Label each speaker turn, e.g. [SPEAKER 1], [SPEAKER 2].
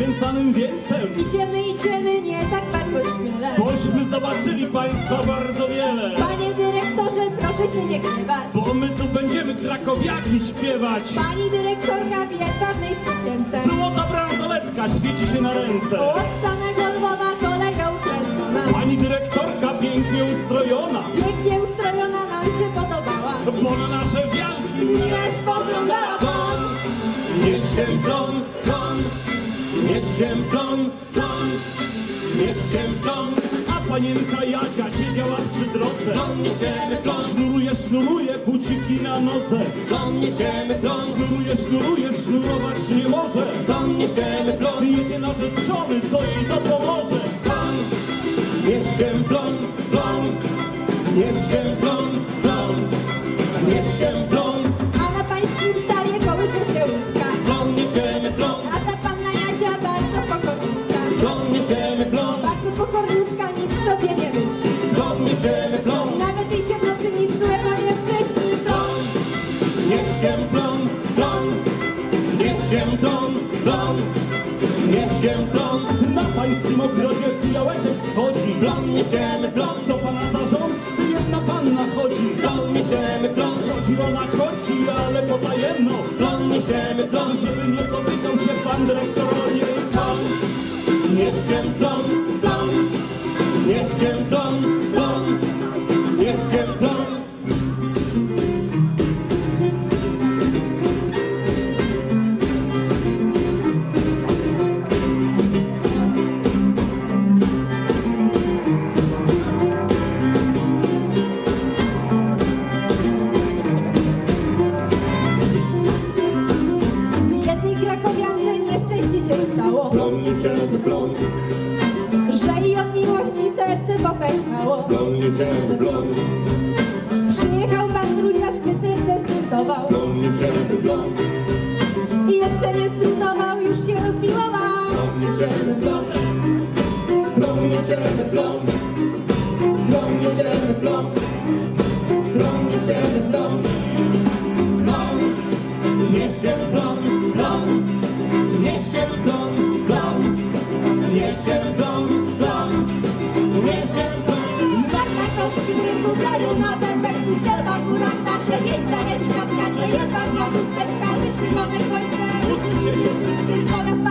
[SPEAKER 1] poświęcanym wieńcem.
[SPEAKER 2] Idziemy, nie tak bardzo śmiele.
[SPEAKER 1] Bośmy zobaczyli państwa bardzo wiele.
[SPEAKER 2] Panie dyrektorze, proszę się nie gniewać.
[SPEAKER 1] Bo my tu będziemy krakowiaki śpiewać.
[SPEAKER 2] Pani dyrektorka wie pewnej sukience.
[SPEAKER 1] Złota bransoletka świeci się na ręce.
[SPEAKER 2] Od samego Lwowa kolega ukręcona.
[SPEAKER 1] Pani dyrektorka pięknie ustrojona.
[SPEAKER 2] Pięknie ustrojona nam się podobała.
[SPEAKER 1] Bo na nasze wianki
[SPEAKER 2] Nie spoglądała pan.
[SPEAKER 1] Niech się plon, niech się plon, niech się plon. A panienka Jadzia siedziała przy drodze.
[SPEAKER 3] Plon, niesiemy plon,
[SPEAKER 1] Sznuruje buciki na nodze.
[SPEAKER 3] plon, niesiemy plon,
[SPEAKER 1] Sznuruje, sznurować nie może.
[SPEAKER 3] plon, niesiemy plon,
[SPEAKER 1] Jedzie narzeczony, to jej to pomoże.
[SPEAKER 3] plon, niech się plon, plon, niech się plon, plon, niech się plon,
[SPEAKER 2] A na pańskim stawie kołysze się łódka.
[SPEAKER 3] plon, niesiemy plon,
[SPEAKER 2] A ta panna Jadzia bardzo pokorniutka.
[SPEAKER 3] plon, niesiemy plon,
[SPEAKER 2] Bardzo pokorniutka, nic sobie nie myśli.
[SPEAKER 3] plon, niesiemy plon,
[SPEAKER 2] Nawet jej się w nocy nic złego nie prześni. Plon,
[SPEAKER 3] niech się plon, plon, niech się plon, plon, niech się plon,
[SPEAKER 1] Na pańskim ogrodzie fijałeczek wchodzi.
[SPEAKER 3] plon, niesiemy plon,
[SPEAKER 1] Do pana zarządcy jedna panna chodzi.
[SPEAKER 3] plon, niesiemy plon,
[SPEAKER 1] Chodzi ona chodzi, ale potajemno.
[SPEAKER 3] plon, niesiemy plon,
[SPEAKER 1] Żeby nie dotykał się pan dyrektor o niej.
[SPEAKER 3] plon, niech się plon, plon, niech się plon, plon, niech się plon.
[SPEAKER 2] jednej krakowiance nieszczęście się stało,
[SPEAKER 3] Plon, niesiemy plon,
[SPEAKER 2] że i od miłości serce popękało.
[SPEAKER 3] plon, niesiemy plon,
[SPEAKER 2] Przyjechał pan druciarz, by serce zbuntował.
[SPEAKER 3] plon, niesiemy plon,
[SPEAKER 2] I jeszcze nie zbuntował, już się rozmiłował.
[SPEAKER 3] plon, niesiemy plon, plon, niesiemy plon, plon, niesiemy plon, plon, niesiemy plon, plon, niesiemy plon, plon, niesiemy plon, plon, niesiemy plon, plon, niesiemy plon.
[SPEAKER 2] Na krakowskim rynku kraju, na bębek Muszelwa, górach, na przewieńca, ręczka, skacze, jedwa, chusteczka, że przy małej końce. Usłyszy się wszyscy, powiat